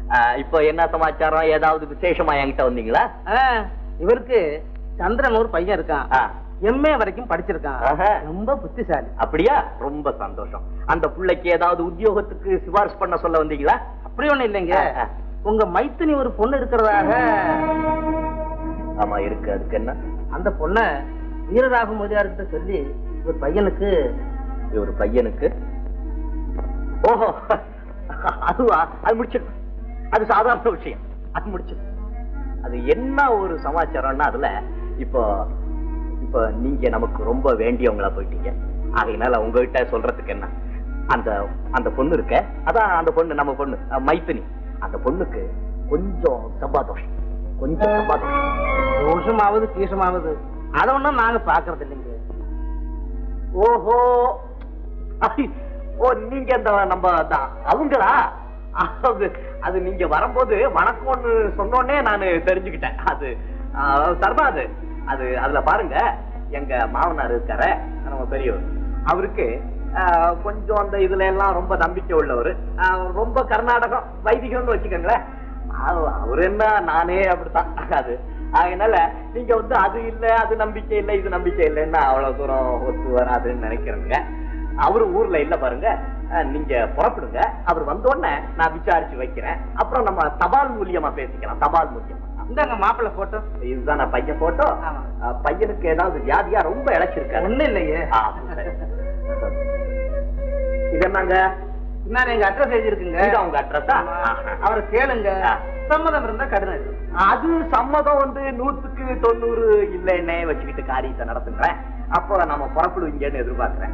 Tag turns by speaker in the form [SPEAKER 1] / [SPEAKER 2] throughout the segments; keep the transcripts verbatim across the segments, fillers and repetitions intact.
[SPEAKER 1] இப்போ என்ன சமாச்சாரம்? ஏதாவது விசேஷமா என்கிட்ட வந்தீங்களா?
[SPEAKER 2] இவருக்கு சந்திரன் ஒரு பையன் இருக்கான், எம்ஏ வரைக்கும் படிச்சிருக்கான், ரொம்ப புத்திசாலி.
[SPEAKER 1] அப்படியா? ரொம்ப சந்தோஷம். அந்த பிள்ளைக்கு ஏதாவது உத்தியோகத்துக்கு சிபாரிசு பண்ண சொல்ல வந்தீங்களா?
[SPEAKER 2] அப்படி ஒண்ணு இல்லைங்க, உங்க மைத்தினி ஒரு பொண்ணு இருக்கிறதாக.
[SPEAKER 1] ஆமா இருக்கு. அதுக்கு என்ன?
[SPEAKER 2] அந்த பொண்ண வீரராக மொழியார்கிட்ட சொல்லி ஒரு பையனுக்கு
[SPEAKER 1] ஒரு பையனுக்கு ஓஹோ அதுவா? அது முடிச்சிடும். அது சாதாரண விஷயம். அது முடிச்சிடும். அது என்ன ஒரு சமாச்சாரம்னா, அதுல இப்போ இப்போ நீங்க நமக்கு ரொம்ப வேண்டியவங்களா போயிட்டீங்க. ஆகையினால உங்ககிட்ட சொல்றதுக்கு என்ன, அந்த அந்த பொண்ணு இருக்க, அதான் அந்த பொண்ணு, நம்ம பொண்ணு மைத்தினி, அந்த பொண்ணுக்கு கொஞ்சம் சம்பாதோஷம், கொஞ்சம் சம்பாதோஷம்.
[SPEAKER 2] தோஷமாவது கீசமாவது அதை ஒண்ணும் நாங்க பாக்குறது இல்லைங்க.
[SPEAKER 1] ஓஹோ, ஓ நீங்க அந்த நம்ம அவங்களா? அது நீங்க வரும்போது வணக்கம்னு சொன்னோடனே நான் தெரிஞ்சுக்கிட்டேன். அது சர்மா, அது அது அதுல பாருங்க, எங்க மாமனார் இருக்காரு, நம்ம பெரியவர், அவருக்கு கொஞ்சம் அந்த இதுல எல்லாம் ரொம்ப நம்பிக்கை உள்ளவர், ரொம்ப கர்நாடகம் வைதிகம்னு வச்சுக்கோங்களேன். அவரு என்ன, நானே அப்படித்தான். அது அதனால நீங்க வந்து அது இல்ல, அது நம்பிக்கை இல்லை, இது நம்பிக்கை இல்லைன்னா அவ்வளவு தூரம் ஒத்து வராதுன்னு நினைக்கிறேங்க. அவரு ஊர்ல இல்ல பாருங்க, நீங்க புறப்படுங்க. அவர் வந்தோடனே நான் விசாரிச்சு வைக்கிறேன். அப்புறம் நம்ம தபால் மூலியமா பேசிக்கலாம். தபால் மூலியமா.
[SPEAKER 2] இந்தாங்க மாப்பிள்ளை போட்டோ.
[SPEAKER 1] இதுதான் நான் பையன் போட்டோ. பையனுக்கு ஏதாவது வியாதியா? ரொம்ப இழைச்சிருக்காரு.
[SPEAKER 2] ஒண்ணு இல்லையே.
[SPEAKER 1] இது என்னங்க?
[SPEAKER 2] நான் எங்க அட்ரஸ் எழுதிருக்குங்க.
[SPEAKER 1] உங்க அட்ரஸா?
[SPEAKER 2] அவரை கேளுங்க, சம்மதம் இருந்தா கடிதம்.
[SPEAKER 1] அது சம்மதம் வந்து நூத்துக்கு தொண்ணூறு இல்லைன்னே வச்சுக்கிட்டு காரியத்தை நடத்துங்களேன். அப்போ நம்ம புறப்படுவீங்கன்னு எதிர்பார்க்கிறேன்.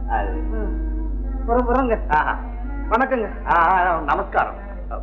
[SPEAKER 2] புறங்க. வணக்கங்க.
[SPEAKER 1] நமஸ்காரம்.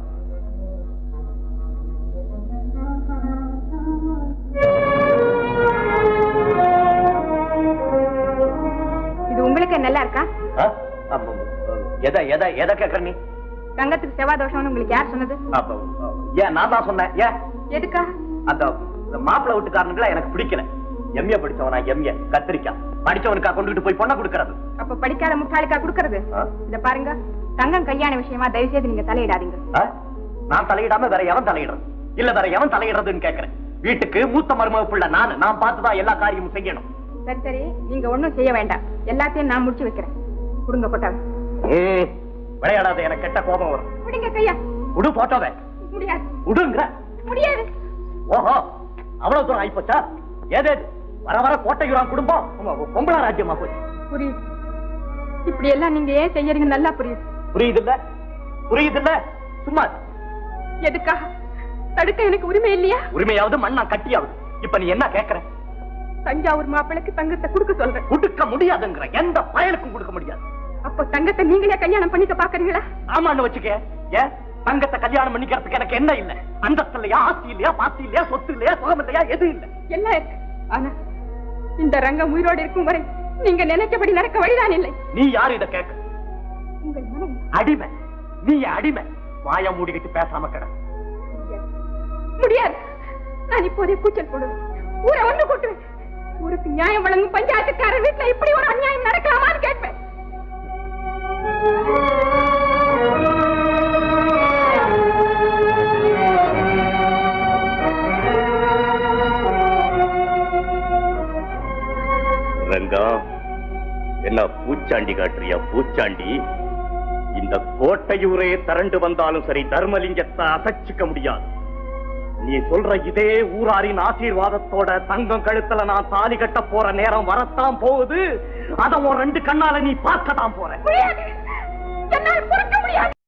[SPEAKER 3] இது உங்களுக்கு நல்லா இருக்கா?
[SPEAKER 1] எதை எதை எதை கேட்கற நீ?
[SPEAKER 3] தங்கத்துக்கு செவ்வாய் தோஷம்னு உங்களுக்கு யார் சொன்னது?
[SPEAKER 1] ஏன் நான் தான் சொன்னேன். ஏன்?
[SPEAKER 3] எதுக்கா?
[SPEAKER 1] அந்த மாப்பிள்ளை வீட்டுக்காரனுங்களா எனக்கு பிடிக்கல. எம்ஏ படிச்சவனா? எம்ஏ கத்திரிக்கா படிச்சவனுக்கா கொண்டுகிட்டு போய் பொண்ணை கொடுக்கறது?
[SPEAKER 3] அப்ப படிக்காத முட்டாளுக்கா கொடுக்கறது? இத பாருங்க, தங்கம் கல்யாண விஷயமா தயவு செய்து நீங்க தலையிடாதீங்க.
[SPEAKER 1] நான் தலையிடாம வேற எவன் தலையிடுறது? இல்ல வேற எவன் தலையிடுறதுன்னு கேக்குறேன். வீட்டுக்கு மூத்த மருமக பிள்ளை நானு, நான் பார்த்துதான் எல்லா காரியமும் செய்யணும்.
[SPEAKER 3] சரி சரி, நீங்க ஒண்ணும் செய்ய வேண்டாம், எல்லாத்தையும் நான் முடிச்சு வைக்கிறேன். கொடுங்க போட்டாவை.
[SPEAKER 1] விளையாடாத, எனக்கு கெட்ட கோபம் வரும்.
[SPEAKER 3] விடுங்க கையா.
[SPEAKER 1] உடு போட்டோவே.
[SPEAKER 3] முடியாது.
[SPEAKER 1] உடுங்க.
[SPEAKER 3] முடியாது.
[SPEAKER 1] ஓஹோ, அவ்வளவு தூரம் ஆயிப்போச்சா? ஏதேது வர வர கோட்டையூரான் குடும்பம் பொம்பளா ராஜ்யமா போச்சு.
[SPEAKER 3] புரியுது. இப்படி எல்லாம் நீங்க ஏன் செய்யறீங்க நல்லா புரியுது.
[SPEAKER 1] புரியுது இல்ல? புரியுது இல்ல? சும்மா
[SPEAKER 3] எதுக்காக தடுக்க எனக்கு உரிமை இல்லையா?
[SPEAKER 1] உரிமையாவது மண்ணா கட்டியாவது. இப்ப நீ என்ன கேக்குற?
[SPEAKER 3] தஞ்சாவூர் மாப்பிளைக்கு தங்கத்தை கொடுக்க சொல்றேன்.
[SPEAKER 1] கொடுக்க முடியாதுங்கிற. எந்த பயலுக்கும் கொடுக்க முடியாது.
[SPEAKER 3] அப்ப தங்கத்தை நீங்களே கல்யாணம் பண்ணிக்க பாக்குறீங்களா?
[SPEAKER 1] ஆமான்னு வச்சுக்க. ஏன் தங்கத்தை கல்யாணம் பண்ணிக்கிறதுக்கு எனக்கு என்ன இல்ல? அந்தஸ்து இல்லையா, ஆஸ்தி இல்லையா, பாஸ்தி இல்லையா, சொத்து இல்லையா, சுகம் இல்லையா, எது இல்ல?
[SPEAKER 3] எல்லாம் இருக்கு. ஆனா இந்த ரங்கம் உயிரோடு இருக்கும் வரை நீங்க நினைச்சபடி நடக்க வழிதான் இல்லை.
[SPEAKER 1] நீ யாரு இத கேட்க?
[SPEAKER 3] உங்கள் மனைவி.
[SPEAKER 1] அடிமை. நீ அடிமை. வாய மூடிக்கிட்டு பேசாம கிட.
[SPEAKER 3] முடியாது. நான் இப்போதே கூச்சல் போடுவேன். ஊரை ஒன்று கூட்டுவேன். ஊருக்கு நியாயம் வழங்கும் பஞ்சாயத்துக்காரர் வீட்டுல இப்படி ஒரு அநியாயம் நடக்கலாமான்னு கேட்பேன்.
[SPEAKER 1] ரங்கா, என்ன பூச்சாண்டி காட்டுறியா? பூச்சாண்டி. இந்த கோட்டையூரே திரண்டு வந்தாலும் சரி, தர்மலிங்கத்தை அசைச்சிக்க முடியாது. நீ சொல்ற இதே ஊராரின் ஆசீர்வாதத்தோட தங்கம் கழுத்துல நான் தாலி கட்ட போற நேரம் வரத்தான் போகுது. அத ஒரு ரெண்டு கண்ணால நீ பார்க்கத்தான் போற.
[SPEAKER 3] முடியாது. என்னால் பொறுக்க முடியாது.